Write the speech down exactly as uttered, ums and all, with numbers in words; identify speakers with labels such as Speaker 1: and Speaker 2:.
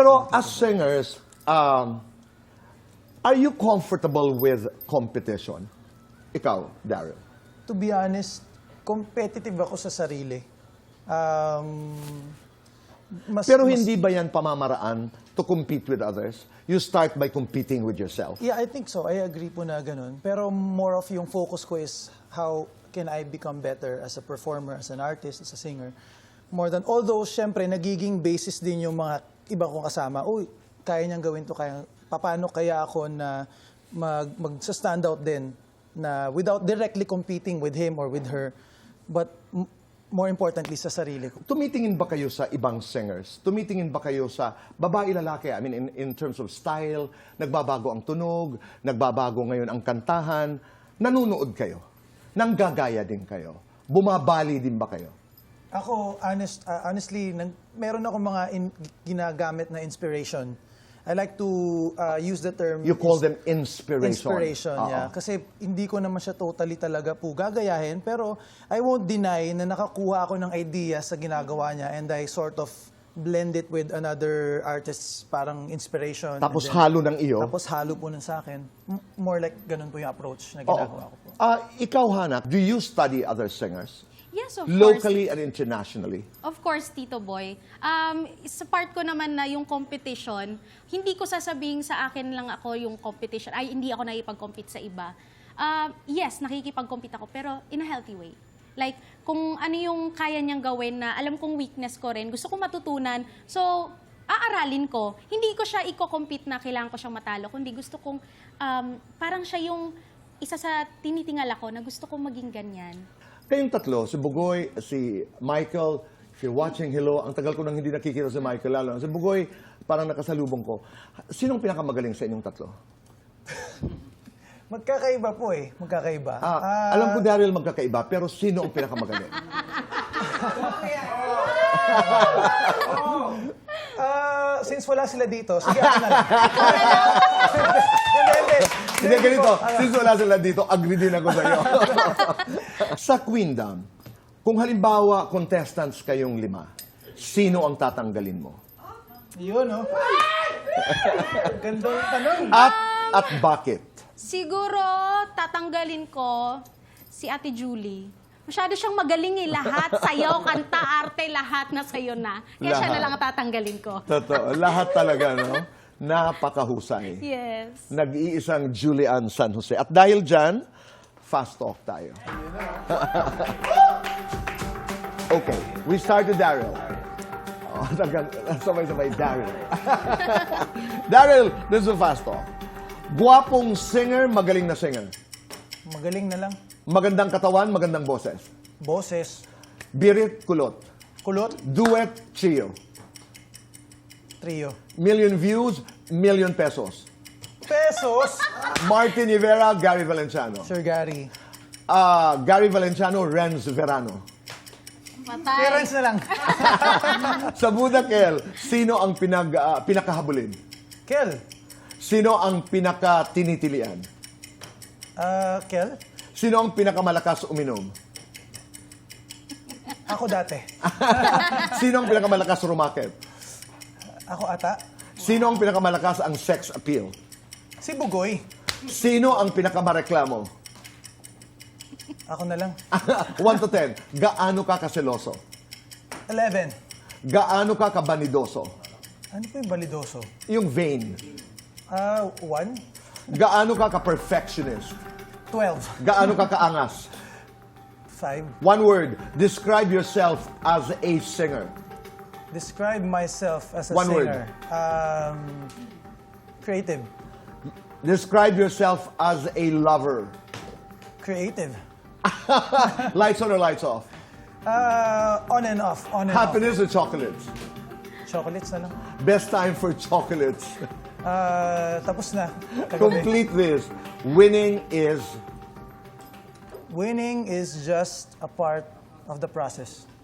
Speaker 1: Pero as singers, um, are you comfortable with competition? Ikaw, Daryl.
Speaker 2: To be honest, competitive ako sa sarili. Um, mas,
Speaker 1: Pero
Speaker 2: mas-
Speaker 1: hindi ba yan pamamaraan to compete with others? You start by competing with yourself.
Speaker 2: Yeah, I think so. I agree po na ganun. Pero more of yung focus ko is how can I become better as a performer, as an artist, as a singer. More than, although, syempre, nagiging basis din yung mga iba kong kasama. Uy, kaya niyang gawin to, kaya, paano kaya ako na mag, mag-stand out din na without directly competing with him or with her, but m- more importantly, sa sarili ko.
Speaker 1: Tumitingin ba kayo sa ibang singers? Tumitingin ba kayo sa babae, lalaki? I mean, in, in terms of style, nagbabago ang tunog, nagbabago ngayon ang kantahan. Nanunood kayo? Nanggagaya din kayo? Bumabali din ba kayo?
Speaker 2: Ako, honest, uh, honestly, nang, meron ako mga in, ginagamit na inspiration. I like to uh, use the term...
Speaker 1: You call them inspiration.
Speaker 2: Inspiration,
Speaker 1: Oo.
Speaker 2: yeah. Kasi hindi ko naman siya totally talaga po gagayahin, pero I won't deny na nakakuha ako ng idea sa ginagawa niya and I sort of blend it with another artist's parang inspiration.
Speaker 1: Tapos
Speaker 2: And then-
Speaker 1: halo ng iyo?
Speaker 2: Tapos halo po nun sa akin. M- More like ganun po yung approach na
Speaker 1: Oo.
Speaker 2: ginagawa ko po.
Speaker 1: Ah, ikaw, Hannah, do you study other singers?
Speaker 3: Yes, of
Speaker 1: Locally
Speaker 3: course.
Speaker 1: and internationally?
Speaker 3: Of course, Tito Boy. Um, sa part ko naman na yung competition, hindi ko sasabihin sa akin lang ako yung competition. Ay, hindi ako nakikipag-compete sa iba. Um, yes, nakikipag-compete ako, pero in a healthy way. Like, kung ano yung kaya niyang gawin na alam kong weakness ko rin, gusto kong matutunan. So, aaralin ko. Hindi ko siya i-compete na kailangan ko siyang matalo, kundi gusto kong, um, parang siya yung isa sa tinitingal ako na gusto kong maging ganyan.
Speaker 1: Kayong tatlo, si Bugoy, si Michael, if you're watching, hello, ang tagal ko nang hindi nakikita si Michael lalo. Si Bugoy, parang nakasalubong ko. Sinong pinakamagaling sa inyong tatlo?
Speaker 2: Magkakaiba po eh. Magkakaiba.
Speaker 1: Ah,
Speaker 2: Ah,
Speaker 1: alam ko, Daryl, magkakaiba, pero sino ang pinakamagaling?
Speaker 2: Ah, since wala sila dito, sige ako na lang. Hindi, hindi.
Speaker 1: Hindi, ganito. Since wala sila dito, agree din ako sa iyo. Sa Queendom, kung halimbawa contestants kayong lima, sino ang tatanggalin mo?
Speaker 2: Yun, no? Gandang tanong.
Speaker 1: At, at bakit?
Speaker 3: Siguro, tatanggalin ko si Ate Julie. Masyado siyang magaling eh. Lahat, sayaw, kanta, arte, lahat na sayo na. Kaya siya
Speaker 1: Lahat.
Speaker 3: na lang ang tatanggalin ko.
Speaker 1: Totoo. Lahat talaga, no? Napakahusay.
Speaker 3: Yes.
Speaker 1: Nag-iisang Julian San Jose. At dahil dyan, fast talk tayo. Okay, we start with Daryl. Oh, sabay-sabay, Daryl. Daryl, this is a fast talk. Guwapong singer, magaling na singer.
Speaker 2: Magaling na lang.
Speaker 1: Magandang katawan, magandang boses.
Speaker 2: Boses.
Speaker 1: Birit, kulot.
Speaker 2: Kulot.
Speaker 1: Duet, trio.
Speaker 2: Trio.
Speaker 1: Million views, million pesos.
Speaker 2: Pesos.
Speaker 1: Martin Rivera, Gary Valenciano.
Speaker 2: Sir Gary.
Speaker 1: Ah, Gary Valenciano, Renz Verano.
Speaker 3: Matay.
Speaker 2: Parents na lang.
Speaker 1: Sa Budakel, sino ang pinag, ah, pinakahabulin?
Speaker 2: Kel.
Speaker 1: Sino ang pinakatinitilian?
Speaker 2: Ah, Kel.
Speaker 1: Sino ang pinakamalakas uminom?
Speaker 2: Ako dati.
Speaker 1: Sino ang pinakamalakas rumakit?
Speaker 2: Ako ata.
Speaker 1: Sino ang pinakamalakas ang sex appeal?
Speaker 2: Si Bugoy.
Speaker 1: Sino ang pinakamareklamo?
Speaker 2: Ako na lang.
Speaker 1: one to ten, gaano ka kaseloso?
Speaker 2: eleven.
Speaker 1: Gaano ka kabanidoso?
Speaker 2: Ano po yung balidoso?
Speaker 1: Yung vain.
Speaker 2: Ah, one.
Speaker 1: Gaano ka ka-perfectionist?
Speaker 2: twelve.
Speaker 1: Gaano ka kaangas?
Speaker 2: five.
Speaker 1: One word, describe yourself as a singer.
Speaker 2: Describe myself as a
Speaker 1: One word.
Speaker 2: singer. Um, creative.
Speaker 1: Describe yourself as a lover.
Speaker 2: Creative.
Speaker 1: Lights on or lights off?
Speaker 2: Uh, on and off. On and
Speaker 1: Happiness or chocolates?
Speaker 2: off. Chocolates na lang.
Speaker 1: Best time for chocolates.
Speaker 2: Uh, tapos na. Kagabi.
Speaker 1: Complete this. Winning is...
Speaker 2: Winning is just a part of the process.